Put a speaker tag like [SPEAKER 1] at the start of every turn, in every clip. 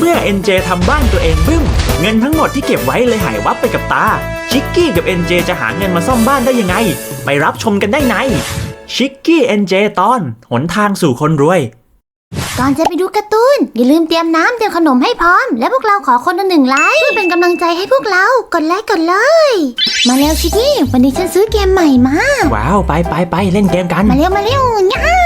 [SPEAKER 1] เมื่อ NJ ทำบ้านตัวเองบึ้มเงินทั้งหมดที่เก็บไว้เลยหายวับไปกับตาชิกกี้กับ NJ จะหาเงินมาซ่อมบ้านได้ยังไงไปรับชมกันได้ในชิกกี้ NJ ตอนหนทางสู่คนรวย
[SPEAKER 2] ก่อนจะไปดูการ์ตูนอย่าลืมเตรียมน้ำเตรียมขนมให้พร้อมและพวกเราขอคนละ1 ไลค์เพื่อเป็นกำลังใจให้พวกเรากดไลค์กดเลยมาเร็วชิคกี้วันนี้ฉันซื้อเกมใหม่มา
[SPEAKER 1] ว้าวไปเล่นเกมกัน
[SPEAKER 2] มาเร็วง่า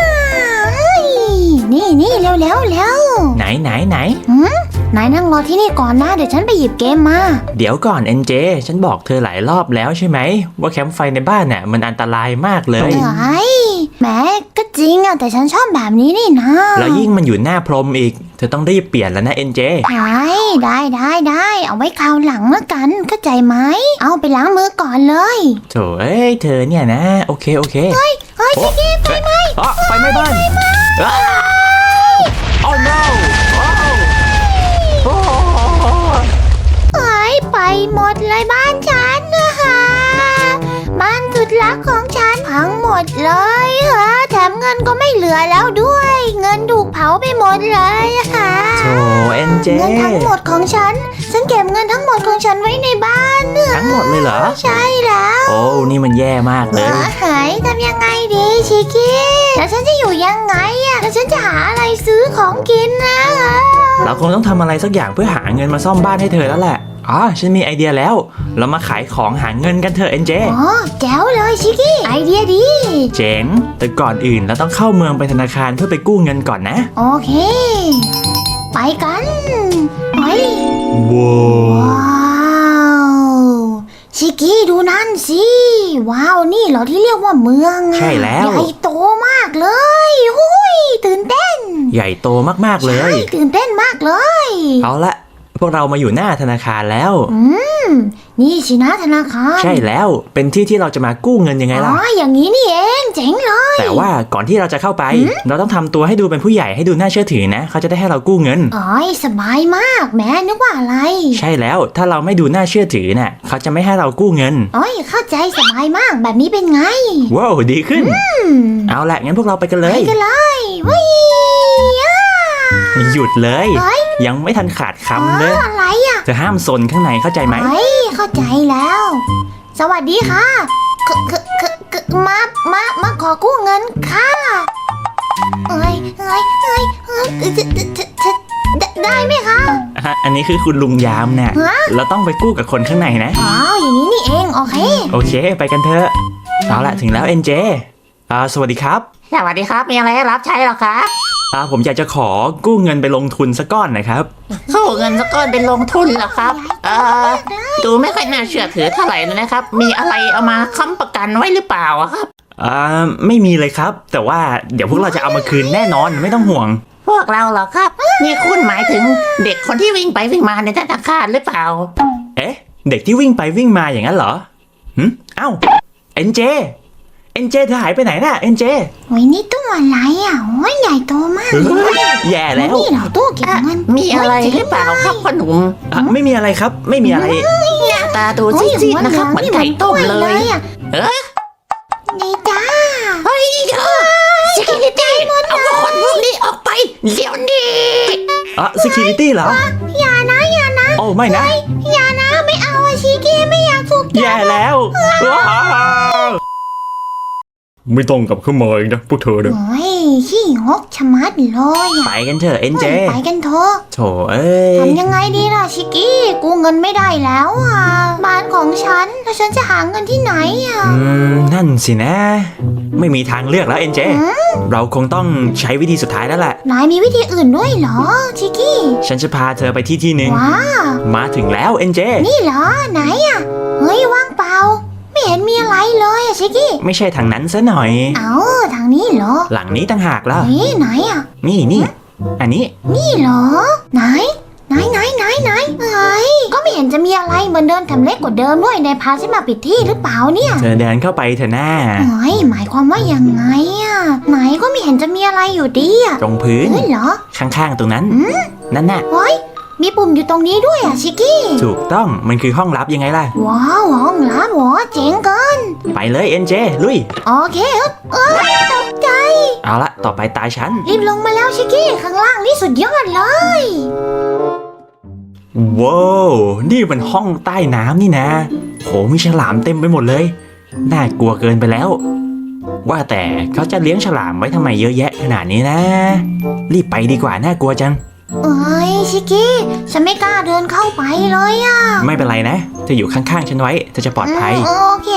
[SPEAKER 2] นี่เร็ว
[SPEAKER 1] ไหน
[SPEAKER 2] นายนั่งรอที่นี่ก่อนนะเดี๋ยวฉันไปหยิบเกมมา
[SPEAKER 1] เดี๋ยวก่อน NJ ฉันบอกเธอหลายรอบแล้วใช่ไหมว่าแคมป์ไฟในบ้านน่ะมันอันตรายมากเลย
[SPEAKER 2] แม้ก็จริงอะแต่ฉันชอบแบบนี้นี่นะ
[SPEAKER 1] แล้วยิ่งมันอยู่หน้าพรมอีกเธอต้องรีบเปลี่ยนแล้วนะ NJ
[SPEAKER 2] ได้เอาไว้คราวหลังละกันเข้าใจไหมเอาไปล้างมือก่อนเลย
[SPEAKER 1] โถ่เธอเนี่ยนะโอเค
[SPEAKER 2] เฮ้ยชิคกี้ไฟไหม้
[SPEAKER 1] ไฟไหม้บ้านโอ้ no
[SPEAKER 2] ไปหมดเลยบ้านฉันนะคะบ้านสุดรักของฉันพังหมดเลยแถมเงินก็ไม่เหลือแล้วด้วยเงินถูกเผาไปหมดเลยค่ะ
[SPEAKER 1] โธ่ NJ
[SPEAKER 2] เงินทั้งหมดของฉันเก็บเงินทั้งหมดของฉันไว้ในบ้าน
[SPEAKER 1] ทั้งหมดเลยเหรอ
[SPEAKER 2] ใช่แล้ว
[SPEAKER 1] โอ้นี่มันแย่มากเลย
[SPEAKER 2] ทำยังไงดีชิคกี้แล้วฉันจะอยู่ยังไงแล้วฉันจะหาอะไรซื้อของกินนะ
[SPEAKER 1] เราคงต้องทำอะไรสักอย่างเพื่อหาเงินมาซ่อมบ้านให้เธอแล้วแหละฉันมีไอเดียแล้วเรามาขายของหาเงินกันเถอะ NJ
[SPEAKER 2] แจ๋วเลยชิคกี้ไอเดียดี
[SPEAKER 1] เจ๋งแต่ก่อนอื่นเราต้องเข้าเมืองไปธนาคารเพื่อไปกู้เงินก่อนนะ
[SPEAKER 2] โอเคไปกันไป
[SPEAKER 1] ว้
[SPEAKER 2] าวชิคกี้ดูนั่นสิว้าวนี่เหรอที่เรียกว่าเมือง
[SPEAKER 1] ใช่แล้ว
[SPEAKER 2] ใหญ่โตมากเลยหุยตื่นเต้น
[SPEAKER 1] ใหญ่โตมากๆเลย
[SPEAKER 2] ใช่ตื่นเต้นมากเลย
[SPEAKER 1] เอาละพวกเรามาอยู่หน้าธนาคารแล้ว
[SPEAKER 2] นี่สินะธนาคาร
[SPEAKER 1] ใช่แล้วเป็นที่ที่เราจะมากู้เงินยังไงล่ะ
[SPEAKER 2] อย่างนี้นี่เองเจ๋งเลย
[SPEAKER 1] แต่ว่าก่อนที่เราจะเข้าไปเราต้องทำตัวให้ดูเป็นผู้ใหญ่ให้ดูน่าเชื่อถือนะเขาจะได้ให้เรากู้เงิน
[SPEAKER 2] สบายมากแม่นึกว่าอะไร
[SPEAKER 1] ใช่แล้วถ้าเราไม่ดูน่าเชื่อถือน่ะเขาจะไม่ให้เรากู้เงิน
[SPEAKER 2] เข้าใจสบายมากแบบนี้เป็นไง
[SPEAKER 1] ว้าวดีขึ้นเอาละงั้นพวกเราไปกันเลยหยุดเลยยังไม่ทันขาดคำเลย
[SPEAKER 2] อะไร
[SPEAKER 1] จะห้ามซนข้างในเข้าใจไหม
[SPEAKER 2] เข้าใจแล้วสวัสดีค่ะมาขอกู้เงินค่ะได้ไหมคะ
[SPEAKER 1] อันนี้คือคุณลุงยามเนี่ยเราต้องไปกู้กับคนข้างในนะ
[SPEAKER 2] อย่างนี้นี่เองโอเค
[SPEAKER 1] ไปกันเถอะเอาละถึงแล้ว NJ สวัสดีครับ
[SPEAKER 3] สวัสดีครับมีอะไรให้รับใช้หรอครับ
[SPEAKER 1] ผมอยากจะขอกู้เงินไปลงทุนสักก้อนนะครับ
[SPEAKER 3] กู้เงินสักก้อนไปลงทุนเหรอครับดูไม่ค่อยน่าเชื่อถือเท่าไหร่นะครับมีอะไรเอามาค้ำประกันไว้หรือเปล่าครับ
[SPEAKER 1] ไม่มีเลยครับแต่ว่าเดี๋ยวพวกเราจะเอามาคืนแน่นอนไม่ต้องห่วง
[SPEAKER 3] พวกเราเหรอครับนี่คุณหมายถึงเด็กคนที่วิ่งไปวิ่งมาในธนาคารหรือเปล่า
[SPEAKER 1] เด็กที่วิ่งไปวิ่งมาอย่างนั้นเหรอNJ เธอหายไปไหนน่ะ NJ
[SPEAKER 2] นี่ตู้อะไรใหญ่โตมาก
[SPEAKER 1] แย่แล้ว
[SPEAKER 2] นี่เหรอตู้เก็บเงิน
[SPEAKER 3] มีอะไรหรือเปล่าครับพ่อหนุ่ม
[SPEAKER 1] ไม่มีอะไรครับไม่มีอะไร
[SPEAKER 3] หน้าตาดูซีดๆนะครับเหมือนไก่ต้มเลย
[SPEAKER 2] นี่จ้า
[SPEAKER 3] Security เอาคนพวกนี้ออกไปเดี๋ยวนี้
[SPEAKER 1] Security เหรอ
[SPEAKER 2] อย่านะ
[SPEAKER 1] โอ้ไม่นะ
[SPEAKER 2] อย่านะไม่เอาชิคกี้ไม่อยากถูกจับ
[SPEAKER 1] แย่แล้วไม่ต้องกลับขึ้นมาอีกนะพวกเธอเนี่ย
[SPEAKER 2] ขี้งกชะมัดเลย
[SPEAKER 1] ไปกันเถอะ NJ
[SPEAKER 2] ไปกันเถอะ
[SPEAKER 1] โถ่
[SPEAKER 2] ทำยังไงดีล่ะชิคกี้กูเงินไม่ได้แล้วบ้านของฉันแล้วฉันจะหาเงินที่ไหน
[SPEAKER 1] นั่นสินะไม่มีทางเลือกแล้ว NJ เราคงต้องใช้วิธีสุดท้ายแล้วแหละ
[SPEAKER 2] นายมีวิธีอื่นด้วยเหรอชิคกี้
[SPEAKER 1] ฉันจะพาเธอไปที่หนึ่งมาถึงแล้ว NJ
[SPEAKER 2] นี่เหรอไหนว่างเปล่าไม่เห็นมีอะไรเลยชิคกี้
[SPEAKER 1] ไม่ใช่ทางนั้นซะหน่อย
[SPEAKER 2] ทางนี้เหรอ
[SPEAKER 1] หลังนี้ต่างหากล่ะ
[SPEAKER 2] ไหน
[SPEAKER 1] นี่อันนี้
[SPEAKER 2] นี่เหรอไหนก็ไม่เห็นจะมีอะไรเหมือนเดิมแถมเล็กกว่าเดิมด้วยนายพาฉันมาผิดที่หรือเปล่าเนี่ย
[SPEAKER 1] เธอเดินเข้าไปเถอะหน้า
[SPEAKER 2] หมายความว่ายังไงไหนก็ไม่เห็นจะมีอะไรอยู่ดี
[SPEAKER 1] ตรงพื้น
[SPEAKER 2] เหรอ
[SPEAKER 1] ข้างๆตรงนั้นนั่นน่ะ
[SPEAKER 2] มีปุ่มอยู่ตรงนี้ด้วยชิคกี้
[SPEAKER 1] ถูกต้องมันคือห้องลับยังไงล่ะ
[SPEAKER 2] ว้าวห้องลับเจ๋งเกิน
[SPEAKER 1] ไปเลย NJ ลุย
[SPEAKER 2] โอเคตกใจ
[SPEAKER 1] เอาละต่อไปตาฉัน
[SPEAKER 2] รีบลงมาแล้วชิคกี้ข้างล่างนี่สุดยอดเลย
[SPEAKER 1] ว้าวนี่มันห้องใต้น้ำนี่นะโหมีฉลามเต็มไปหมดเลยน่ากลัวเกินไปแล้วว่าแต่เขาจะเลี้ยงฉลามไว้ทำไมเยอะแยะขนาดนี้นะรีบไปดีกว่าน่ากลัวจัง
[SPEAKER 2] เอ้ยชิกกี้ฉันไม่กล้าเดินเข้าไปเลยอะ
[SPEAKER 1] ไม่เป็นไรนะเธออยู่ข้างๆฉันไว้เธอจะปลอดภัย
[SPEAKER 2] โอเค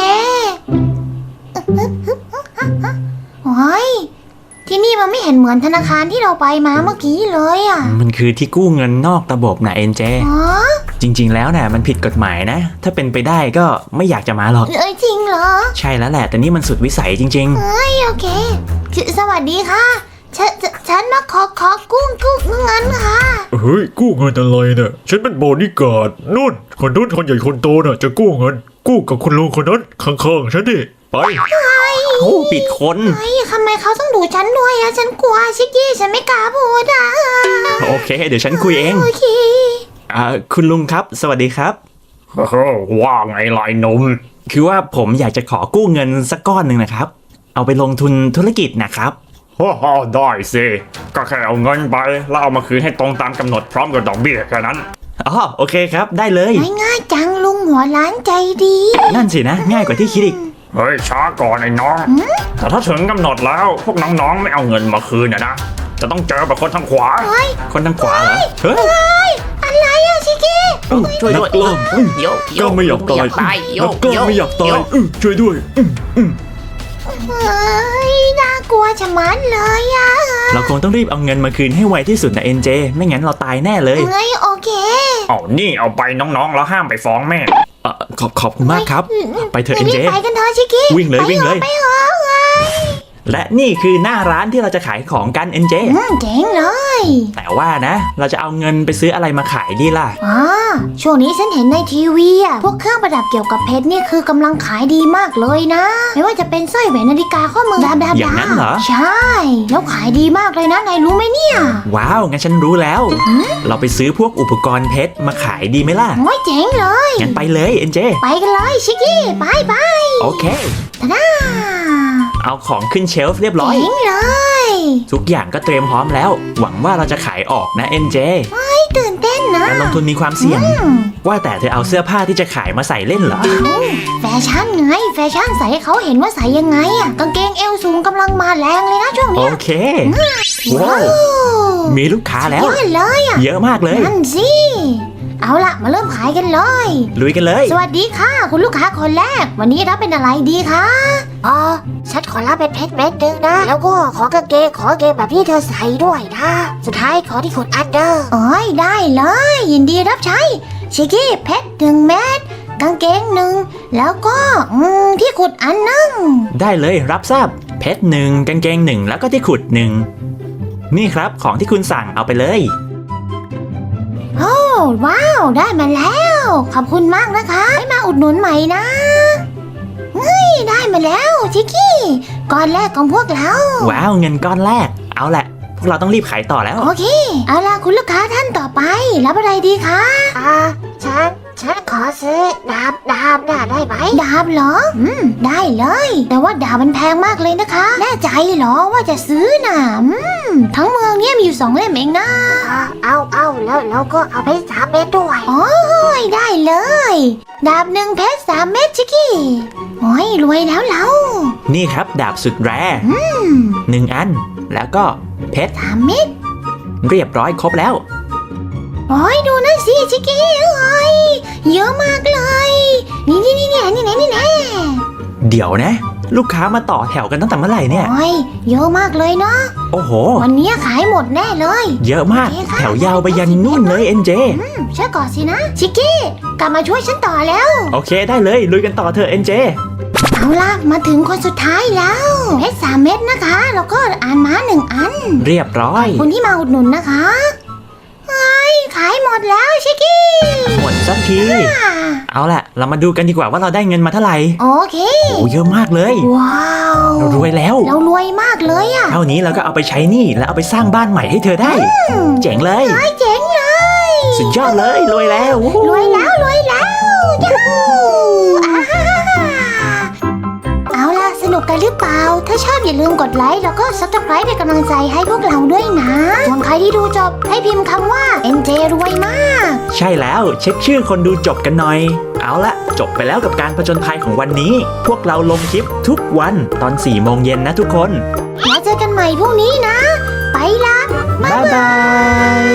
[SPEAKER 2] โอ้ยที่นี่มันไม่เห็นเหมือนธนาคารที่เราไปมาเมื่อกี้เลยอะ
[SPEAKER 1] มันคือที่กู้เงินนอกระบบนะเอ็นเจ
[SPEAKER 2] อ๋อ
[SPEAKER 1] จริงๆแล้วน่ะมันผิดกฎหมายนะ ถ้าเป็นไปได้ก็ไม่อยากจะมาหรอก
[SPEAKER 2] เอ้ยจริงเหรอ
[SPEAKER 1] ใช่แล้วแหละแต่นี่มันสุดวิสัยจริง
[SPEAKER 2] เอ้ยโอเคสวัสดีค่ะฉันมาขอกู้เงินค่ะ
[SPEAKER 4] เฮ้ยกู้เงินอะไรเนี่ยฉันเป็นบอดี้การ์ดนู่นคนใหญ่คนโตน่ะจะกู้เงิน กู้กับคุณลุงคนนั้นข้างๆฉันดิไป
[SPEAKER 1] ๆโอ้ปิดคน
[SPEAKER 2] เฮ้ยทำไมเขาต้องดูฉันด้วยอะฉันกลัวชิกกี้ฉันไม่กล้าพูดอะ
[SPEAKER 1] โอเค เดี๋ยวฉันคุยเอง
[SPEAKER 2] โอเค
[SPEAKER 1] คุณลุงครับ สวัสดีครับ
[SPEAKER 4] ว่าไงลายนม
[SPEAKER 1] คือว่าผมอยากจะขอกู้เงินสักก้อนหนึ่งนะครับ เอาไปลงทุนธุรกิจนะครับ
[SPEAKER 4] ฮ่าได้สิก็แค่เอาเงินไปแล้วเอามาคืนให้ตรงตามกำหนดพร้อมกับดอกเบี้ยแค่นั้น
[SPEAKER 1] อ๋อโอเคครับได้เลย
[SPEAKER 2] ง่ายจังลุงหัวล้านใจดี
[SPEAKER 1] นั่นสินะ ง่ายกว่าที่คิดอีก
[SPEAKER 4] เฮ้ยช้าก่อนไอ้น้องแต่ถ้าถึงกำหนดแล้วพวกน้องๆไม่เอาเงินมาคืนนะจะต้องเจอแบบคนทางขวา
[SPEAKER 1] คนทางขวาเหรอเฮ้ย
[SPEAKER 2] อะไรอะชิกกี้
[SPEAKER 3] ช่วยด้วย
[SPEAKER 4] นักกล้าม
[SPEAKER 3] โย
[SPEAKER 4] ก็ไม่อยากตาย
[SPEAKER 3] โย
[SPEAKER 4] นักกล้ามไม่อยากตายช่วยด้วย
[SPEAKER 2] เฮ้ยน่ากลัวชะมัดเลยอะ
[SPEAKER 1] เราคงต้องรีบเอาเงินมาคืนให้ไวที่สุดนะเอ็นเจไม่งั้นเราตายแน่เลย
[SPEAKER 2] เฮ้ยโอเค
[SPEAKER 4] เอานี่เอาไปน้องๆแล้วห้ามไปฟ้องแม่
[SPEAKER 1] ขอบคุณมากครับ ไปเถอะเอ็นเจ
[SPEAKER 2] รีบไปกันเถอะชิกกี้
[SPEAKER 1] วิ่งเลย
[SPEAKER 2] ไป
[SPEAKER 1] วิ่งเลย
[SPEAKER 2] ไปเถอะเฮ้ย
[SPEAKER 1] และนี่คือหน้าร้านที่เราจะขายของกันเอ็นเจ
[SPEAKER 2] เจ๋งเลย
[SPEAKER 1] แต่ว่านะ เราจะเอาเงินไปซื้ออะไรมาขายดีล่ะ
[SPEAKER 2] อ๋อช่วงนี้ฉันเห็นในทีวีอะพวกเครื่องประดับเกี่ยวกับเพชรนี่คือกำลังขายดีมากเลยนะ ไม่ว่าจะเป็นสร้อยแหวนนาฬิกาข้อมือดา
[SPEAKER 1] อย่างนั้นเหรอ
[SPEAKER 2] ใช่ แล้วขายดีมากเลยนะนายรู้ไหมเนี่ย
[SPEAKER 1] ว้าว งั้นฉันรู้แล้ว เราไปซื้อพวกอุปกรณ์เพชรมาขายดีไหมล่ะ
[SPEAKER 2] โอ้ยเจ๋งเลย
[SPEAKER 1] งั้นไปเลยเอ็นเจ
[SPEAKER 2] ไปกันเลยชิกกี้ไปไป
[SPEAKER 1] โอเค
[SPEAKER 2] ทาดา
[SPEAKER 1] เอาของขึ้นเชลฟ์เรียบร้อย
[SPEAKER 2] เจ๋งเลย
[SPEAKER 1] ทุกอย่างก็เตรียมพร้อมแล้ว หวังว่าเราจะขายออกนะเอ็นเจ
[SPEAKER 2] ตื่นเต้นนะ
[SPEAKER 1] การลงทุนมีความเสี่ยง
[SPEAKER 2] อืม
[SPEAKER 1] ว่าแต่เธอเอาเสื้อผ้าที่จะขายมาใส่เล่นเหรอ
[SPEAKER 2] แฟชั่นไงแฟชั่นใส่ให้เขาเห็นว่าใส่ยังไงอะกางเกงเอวสูงกำลังมาแรงเลยนะช่วง
[SPEAKER 1] โอ
[SPEAKER 2] เนี้ย
[SPEAKER 1] เค ว้าว มีลูกค้าแล้ว
[SPEAKER 2] ยอดเลยอะ
[SPEAKER 1] เยอะมากเลย
[SPEAKER 2] นั่นสิ เอาล่ะมาเริ่มขายกันเลย
[SPEAKER 1] ลุยกันเลย
[SPEAKER 2] สวัสดีค่ะ คุณลูกค้าคนแรก วันนี้รับเป็นอะไรดีคะฉันขอรับเป็นเพชรเม็ดนึงนะ แล้วก็ขอกางเกงแบบที่เธอใส่ด้วยนะ สุดท้ายขอที่ขุดอันเดอร์ได้เลย ยินดีรับใช้ ชิกกี้เพชร1 เม็ดกางเกง1แล้วก็ที่ขุดอันนึง
[SPEAKER 1] ได้เลยรับทราบเพชรหนึ่งกางเกงหนึ่งแล้วก็ที่ขุดหนึ่งนี่ครับของที่คุณสั่งเอาไปเลย
[SPEAKER 2] โอ้ว้าว ได้มาแล้ว ขอบคุณมากนะคะให้มาอุดหนุนใหม่นะเฮ้ยได้มาแล้วชิกกี้ก้อนแรกของพวกเรา
[SPEAKER 1] ว้าวเงินก้อนแรก เอาแหละ พวกเราต้องรีบขายต่อแล้ว
[SPEAKER 2] โอเค เอาล่ะคุณลูกค้าท่านต่อไป รับอะไรดีคะฉันขอซื้อดาบน่ะได้ไหมดาบเหรอได้เลย แต่ว่าดาบมันแพงมากเลยนะคะ แน่ใจเหรอว่าจะซื้อน่ะทั้งเมืองเนี่ยมีอยู่2 เล่มเองนะเอาแล้วเราก็เอาไป3 เม็ดด้วยโอ้ยได้เลย ดาบ1 เพชร3 เม็ดชิคกี้โอ้ยรวยแล้วเรา
[SPEAKER 1] นี่ครับดาบสุดแรหนึ่งอัน แล้วก็เพชร
[SPEAKER 2] 3 เม็ด
[SPEAKER 1] เรียบร้อยครบแล้ว
[SPEAKER 2] โอ้ยดูนั่นสิชิคกี้เอ้ยเยอะมากเลย นี่แน่
[SPEAKER 1] เดี๋ยวนะ ลูกค้ามาต่อแถวกันตั้งแต่เมื่อไหร่เนี่ย
[SPEAKER 2] โอ้ยเยอะมากเลยเนาะ
[SPEAKER 1] โอ้โห
[SPEAKER 2] วันนี้ขายหมดแน่เลย
[SPEAKER 1] เยอะมาก
[SPEAKER 2] โอเคค่ะ
[SPEAKER 1] แถวยาวไปยันนู่นเลยเอ็นเจ
[SPEAKER 2] ช่วยก่อนสินะ ชิคกี้กลับมาช่วยฉันต่อแล้ว
[SPEAKER 1] โอเคได้เลยลุยกันต่อเถอะเอ็นเจ
[SPEAKER 2] เอาล่ะมาถึงคนสุดท้ายแล้วเพชร3 เม็ดนะคะแล้วก็อ่านม้า1 อัน
[SPEAKER 1] เรียบร้อย
[SPEAKER 2] คุณที่มาอุดหนุนนะคะเฮ้ยขายหมดแล้วชิคกี้
[SPEAKER 1] หมดสักที เอาล่ะ เรามาดูกันดีกว่าว่าเราได้เงินมาเท่าไหร่
[SPEAKER 2] โอเค
[SPEAKER 1] โอ้เยอะมากเลย
[SPEAKER 2] ว้าว
[SPEAKER 1] เรารวยแล้ว
[SPEAKER 2] เรารวยมากเลยอะ
[SPEAKER 1] เท่านี้เราก็เอาไปใช้หนี้แล้วเอาไปสร้างบ้านใหม่ให้เธอได้ เจ๋งเลย
[SPEAKER 2] เจ๋งเลย
[SPEAKER 1] สุดยอดเลยรวยแล้ว
[SPEAKER 2] รวยแล้วยูฮูอ่าฮ่าฮ่าเอาล่ะสนุกกันหรือเปล่า ถ้าชอบอย่าลืมกดไลค์แล้วก็ Subscribe เป็นกำลังใจให้พวกเราด้วยนะ ส่วนใครที่ดูจบให้พิมพ์คำว่า NJ รวยมาก
[SPEAKER 1] ใใช่แล้วเช็คชื่อคนดูจบกันหน่อย เอาละจบไปแล้วกับการผจญภัยของวันนี้ พวกเราลงคลิปทุกวันตอน 4 โมงเย็นนะทุกคน
[SPEAKER 2] แล้วเจอกันใหม่พรุ่งนี้นะ ไปละ
[SPEAKER 1] บ๊ายบาย